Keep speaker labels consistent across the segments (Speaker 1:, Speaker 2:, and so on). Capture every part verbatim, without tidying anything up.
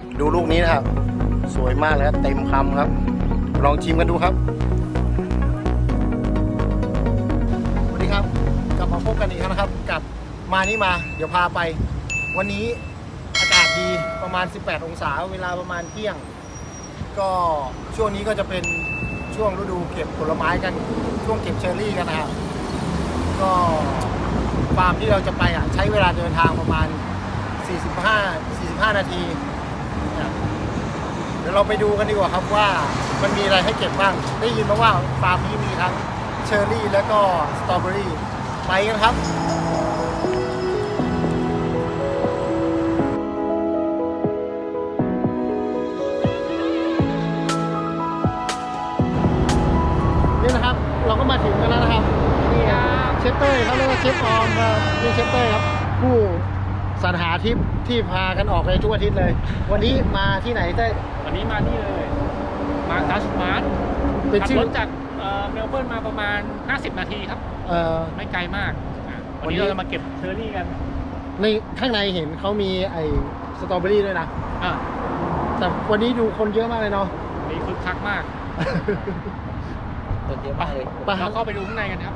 Speaker 1: ดูลูกนี้นะครับสวยมากเลยครับเต็มคำครับลองชิมกันดูครับสวัสดีครับกลับมาพบกันอีกครั้งนะครับกับมานี่มาเดี๋ยวพาไปวันนี้อากาศดีประมาณสิบแปดองศาเวลาประมาณเที่ยงก็ช่วงนี้ก็จะเป็นช่วงฤดูเก็บผลไม้กันช่วงเก็บเชอร์รี่กันนะครับก็ฟาร์มที่เราจะไปอ่ะใช้เวลาเดินทางประมาณสี่สิบห้า สี่สิบห้านาทีเดี๋ยวเราไปดูกันดีกว่าครับว่ามันมีอะไรให้เก็บบ้างได้ยินมาว่าฟาร์มนี้มีทั้งเชอร์รี่แล้วก็สตรอเบอรี่ไปกันครับนี่นะครับเราก็มาถึงกันแล้วนะครับนี่เชฟเต้ยเขาเรียกว่าเชฟออมครับนี่เชฟเต้ยครับผู้สรรหาทริปที่พากันออกไปทุกอาทิตย์เลยวันนี้มาที่ไหนเต้ย
Speaker 2: วันนี้มาที่เลยมาทัชมาร์ทขับรถจากเมลเบิร์นมาประมาณห้าสิบนาทีครับไม่ไกลมากวันนี้เราจะมาเก็บเชอร์รี่กัน
Speaker 1: ในข้างในเห็นเขามีไอ้สตรอเบอรี่ด้วยนะอ่าแต่วันนี้ดูคนเยอะมากเลยเนาะ
Speaker 2: นี่คึกคักมาก
Speaker 1: คนเยอะมากเลย
Speaker 2: เราเข้าไปดูข้างในกันครับ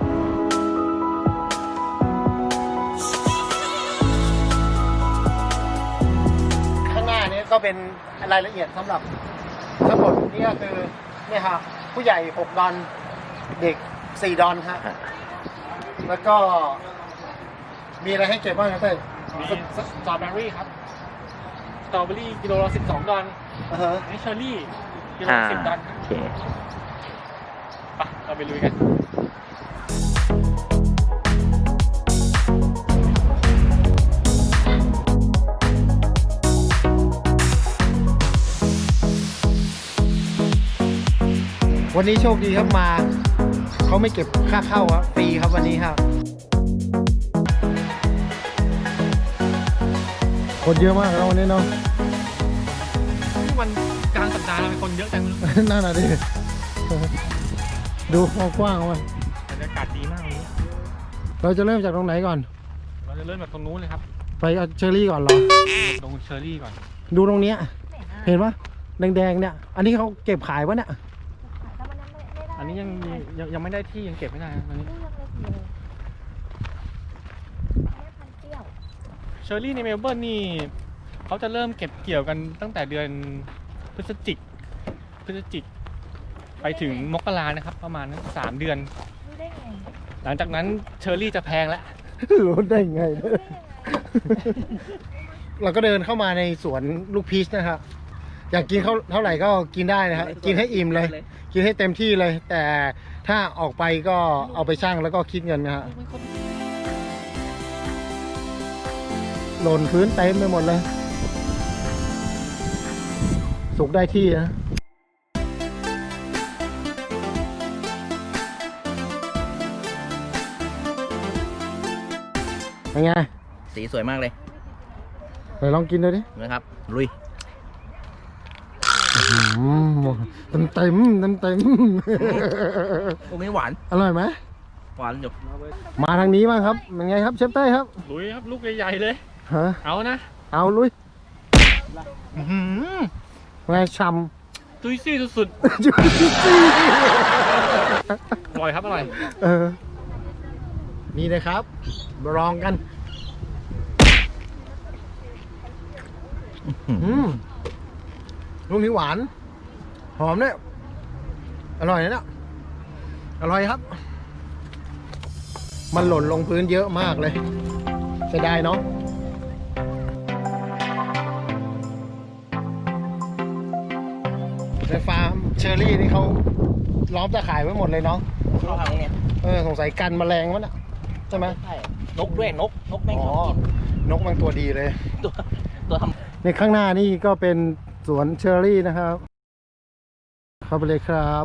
Speaker 1: ข้างหน้านี้ก็เป็นรายละเอียดสำหรับทั้งหมดนี่ก็คือเนี่ยครับผู้ใหญ่หกดอนเด็กสี่ดอนครับแล้วก็มีอะไรให้เก็บบ้างครับเต้ย
Speaker 2: มีสตรอเบอรี่ครับสตรอเบอรี่กิโลละสิบสองดอนนี่เชอร์รี่กิโลละสิบดอนครับไปเราไปลุยกัน
Speaker 1: วันนี้โชคดีครับมาเขาไม่เก็บค่าเข้าครับฟรีครับวันนี้ครับคนเยอะมากแล้ววันนี้เนาะ
Speaker 2: วันกลางสัปดาห์เราเป็นคนเยอะจัง
Speaker 1: นั่นน่ะดิดูกว้างๆมัน
Speaker 2: บรรยากาศดีมากเลย
Speaker 1: เราจะเริ่มจากตรงไหนก่อน
Speaker 2: เราจะเริ่มจากตรงนู้นเลยครับ
Speaker 1: ไปเอาเชอร์รี่ก่อนเหรอ
Speaker 2: ตรงเชอร์รี่ก่อน
Speaker 1: ดูตรงนี้เห็นปะแดงๆเนี่ยอันนี้เขาเก็บขายปะเนี่ย
Speaker 2: อันนี้ยังยังยังไม่ได้ที่ยังเก็บไม่ได้อันนี้เชอร์รี่ในเมลเบิร์นนี่เขาจะเริ่มเก็บเกี่ยวกันตั้งแต่เดือนพฤศจิกพฤศจิกไปถึงมกรานะครับประมาณสามเดือนหลังจากนั้นเชอร์รี่จะแพงแล้ว
Speaker 1: รู้ได้ไงเราก็เดินเข้ามาในสวนลูกพีชนะครับอยากกินเขาเท่าไหร่ก็กินได้นะครับกินให้อิ่มเลยกินให้เต็มที่เลยแต่ถ้าออกไปก็เอาไปชั่งแล้วก็คิดเงินนะฮะหล่นพื้นเต็มไปหมดเลยสุกได้ที่นะเป็นไง
Speaker 3: สีสวยมากเลย
Speaker 1: ไหนลองกินดูดิ
Speaker 3: นะครับลุย
Speaker 1: เต็มเต็มเต็มเต็ม
Speaker 3: ตรงนี้หวาน
Speaker 1: อร่อยไหม
Speaker 3: หวานอยู่
Speaker 1: มาทางนี้บ้างครับเป็นไงครับเชฟเต้ครับ
Speaker 2: ลุยครับลูกใหญ่ๆเลย
Speaker 1: ฮะ
Speaker 2: เอานะ
Speaker 1: เอาลุยไงช่
Speaker 2: ำจุยซี่สุดๆจุยซี่อร่อยครับอร่อย
Speaker 1: เออนี่เลยครับมาลองกันอืมลูกนี้หวานหอมเนี่ยอร่อยนะเนี่ยอร่อยครับมันหล่นลงพื้นเยอะมากเลยเสียดายเนาะในฟาร์มเชอร์รี่นี่เขาล้อมตะข่ายไว้หมดเลยเนาะเออสงสัยกันแมลงวะน่ะใช่ไหม
Speaker 3: ใช่นกด้วยนกนกไม่
Speaker 1: ชอบกินนกมันตัวดีเลย
Speaker 3: ตัวตัวทำ
Speaker 1: ในข้างหน้านี่ก็เป็นสวนเชอร์รี่นะครับเข้าไปเลยครับ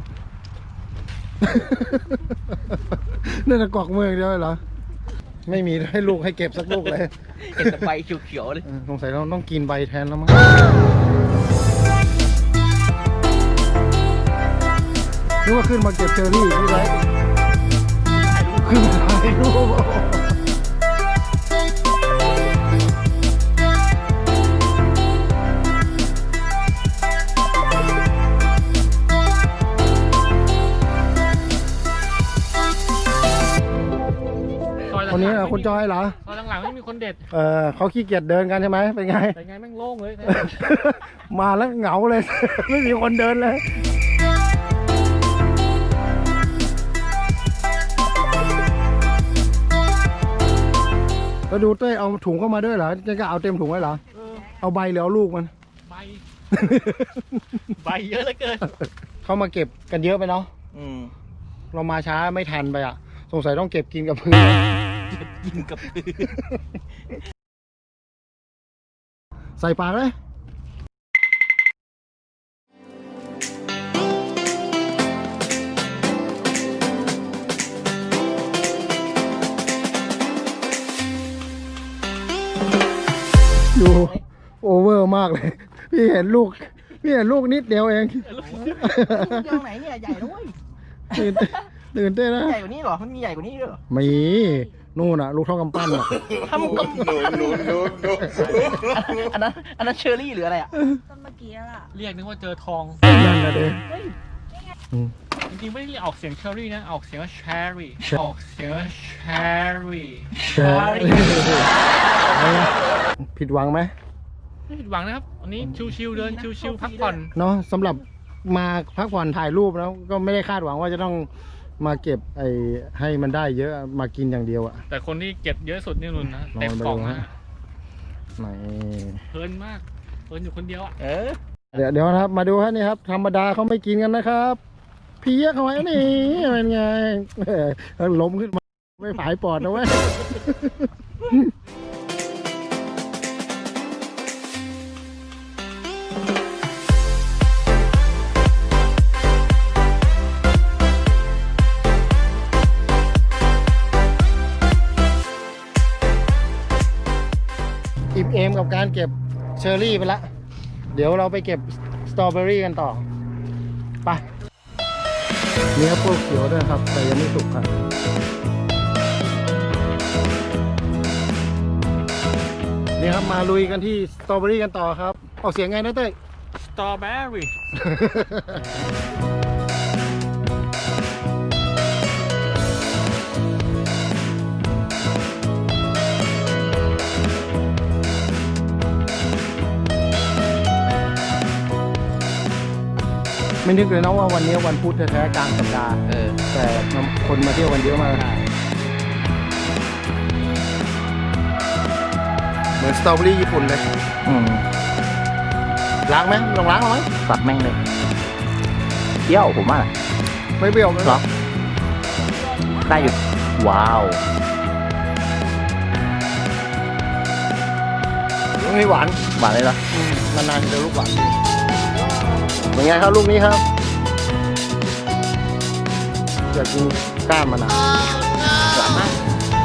Speaker 1: นี่จะกวักมือเดียวเหรอไม่มีให้ลูกให้เก็บสักลูกเลย
Speaker 3: เห็นแต่ใบเขียวๆเลย
Speaker 1: สงสัยเราต้องกินใบแทนแล้วมั้งนึกว่าขึ้นมาเก็บเชอร์รี่ที่ไรขึ้นมาถ่ายรูปคนนี้เหรอคุณจอยเหรอ
Speaker 2: ตอนหลังๆไม่มีคนเด็ด
Speaker 1: เออเขาขี้เกียจเดินกันใช่ไหมเป็นไง
Speaker 2: แต่ไงแม่งโล่งเลย
Speaker 1: มาแล้วเหงาเลย ไม่มีคนเดินเลย ก็ดูเต้ยเอาถุงเข้ามาด้วยเหรอจะก็เอาเต็มถุงไว้เหรอ
Speaker 2: เออ
Speaker 1: เอาใบหรือเอาลูกมัน
Speaker 2: ใบ ใบเยอะเหลือเกิน
Speaker 1: เข้ามาเก็บกันเยอะไปเนาะ
Speaker 3: อืม
Speaker 1: เรามาช้าไม่ทันไปอ่ะ สงสัยต้องเก็บกินกับพื้น
Speaker 3: กินกับพื้น
Speaker 1: ใส่ปากเลยดูโอเวอร์มากเลย พี่เห็นลูก พี่เห็นลูกนิดเดียวเอง
Speaker 3: เรื่องไหนเนี่ยใหญ่นะเว้ย
Speaker 1: ตื่นเต้นตื่นเต้นนะ
Speaker 3: ใหญ่กว่านี้เหรอมันมีใหญ่กว่านี้ด้วยเหรอ
Speaker 1: มีนู่นอ่ะ ลูกเท่ากำปั้นอ่ะ
Speaker 3: ทำกับอันนั้นอันนั้นเชอร์รี่หรืออะไรอ่ะ
Speaker 4: ต้นเมื่อกี้ล่ะ
Speaker 2: เรียกนึกว่าเจอทอง
Speaker 1: นั่นนะเด้อืม
Speaker 2: จริงๆไม่ได้เรียกออกเสียงเชอรี่นะ ออกเสียงว่าแชร์รี่
Speaker 1: ใช่
Speaker 2: ออกเสียงว่าแชร์รี่
Speaker 1: ใช่ผิดหวังไหม
Speaker 2: ไม่ผิดหวังนะครับวันนี้ชิวๆเดินชิวๆพักผ่อน
Speaker 1: เนาะสำหรับมาพักผ่อนถ่ายรูปแล้วก็ไม่ได้คาดหวังว่าจะต้องมาเก็บไอ้ให้มันได้เยอะมากินอย่างเดียวอะ
Speaker 2: แต่คนที่เก็บเยอะสุดนี่นุ่นนะ
Speaker 1: ลอง
Speaker 2: เต็มกล่อง
Speaker 1: ดู
Speaker 2: นะ
Speaker 1: ฮะ ไหน
Speaker 2: เพลินมากเพลินอยู่คนเดียวอ่ะ
Speaker 3: เออ
Speaker 1: เดี๋ยวเดี๋ยวนะครับ มาดูฮะนี่ครับ ธรรมดาเขาไม่กินกันนะครับเพี้ยเขาไว้นี่เป็นไงเออล้มขึ้นมาไม่ผายปอดนะเว้ย อิ่มเอมกับการเก็บเชอร์รี่ไปละ เดี๋ยวเราไปเก็บสตรอเบอรี่กันต่อ ไปเนื้อพวกเขียวด้วยครับ แต่ยังไม่สุกครับ นี่ครับมาลุยกันที่สตรอเบอรี่กันต่อครับ ออกเสียงไงนะเต้ย
Speaker 2: สตรอเบอรี่
Speaker 1: ไม่นึกเลยนะว่าวันนี้วันพุธแท้ๆกลางสัปดาห์
Speaker 3: เออ
Speaker 1: แต่คนมาเที่ยวกันเยอะมากเหมือนสตรอเบอรี่ญี่ปุ่นเลย
Speaker 3: อืม
Speaker 1: ล้างไหมลองล้างหน่อย
Speaker 3: สับแม่งเลยเที่ยวผมว่า
Speaker 1: ไม่เปรี้ยวไหม
Speaker 3: เหรอ ได้อยู่ ว้าว
Speaker 1: ไม่หวาน
Speaker 3: หวานเลยเหรอ
Speaker 1: นานๆเจอลูกหวานเป็นไงครับลูกนี้ครับอยากกินก้านมันอ่ะ
Speaker 3: หวานมาก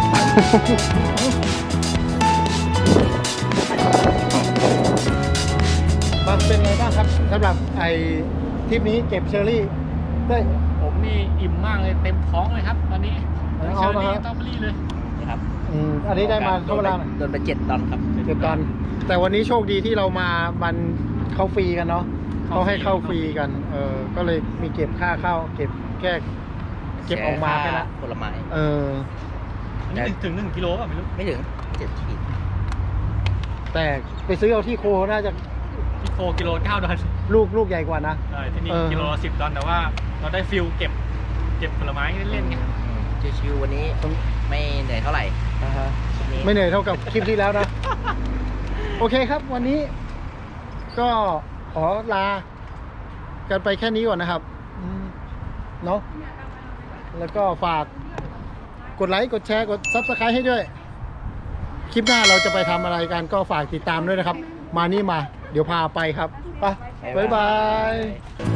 Speaker 1: มันเป็นไงบ้างครับสำหรับไอ้ทริปนี้เก็บเชอร์รี่ได้
Speaker 2: ผมนี่อิ่มมากเลยเต็มท้องเลยครับตอนนี้
Speaker 1: เต็ม
Speaker 2: เช
Speaker 1: ท้อ
Speaker 2: อง ร์รี่
Speaker 1: นะครับ
Speaker 2: สตรอเบอรี่เลย
Speaker 3: นี่ครับ
Speaker 1: อืมอันนี้ได้มาเท่าไหร่
Speaker 3: โดนไปเจ็ดดอนครับ
Speaker 1: เจ็ดตอน แต่วันนี้โชคดีที่เรามามันเข้าฟรีกันเนาะเขาให้เข้าฟรีกัน เออก็เลยมีเก็บค่าเข้าเก็บแค่เก็บออกมาแค่นั้น
Speaker 3: ผลไม้
Speaker 1: เออ
Speaker 2: อันนี้ถึงหนึ่งกิโลป่ะไม่รู้
Speaker 3: ไม่ถึงเจ็ดขีด
Speaker 1: แต่ไปซื้อเอาที่โคน่าจะ
Speaker 2: ที่โคกิโลเก้าดอล
Speaker 1: ลูกลูกใหญ่กว่านะ
Speaker 2: ใช่ที่นี่
Speaker 1: เออ
Speaker 2: กิโลละสิบดอลแต่ว่าเราได้ฟิลเก็บเก็บผลไม้เล่นๆไง
Speaker 3: ชิวๆวันนี้ไม่เหนื่อยเท่าไหร่
Speaker 1: อ่าฮะ
Speaker 3: วันนี้
Speaker 1: ไม่เหนื่อยเท่ากับคลิปที่แล้วนะ โอเคครับ วันนี้ก็ขอลากันไปแค่นี้ก่อนนะครับอืมเนาะแล้วก็ฝากกดไลค์กดแชร์กด ซับสไครบ์ ให้ด้วย คลิปหน้าเราจะไปทำอะไรกันก็ฝากติดตามด้วยนะครับ มานี่มา เดี๋ยวพาไปครับไปบ๊ายบาย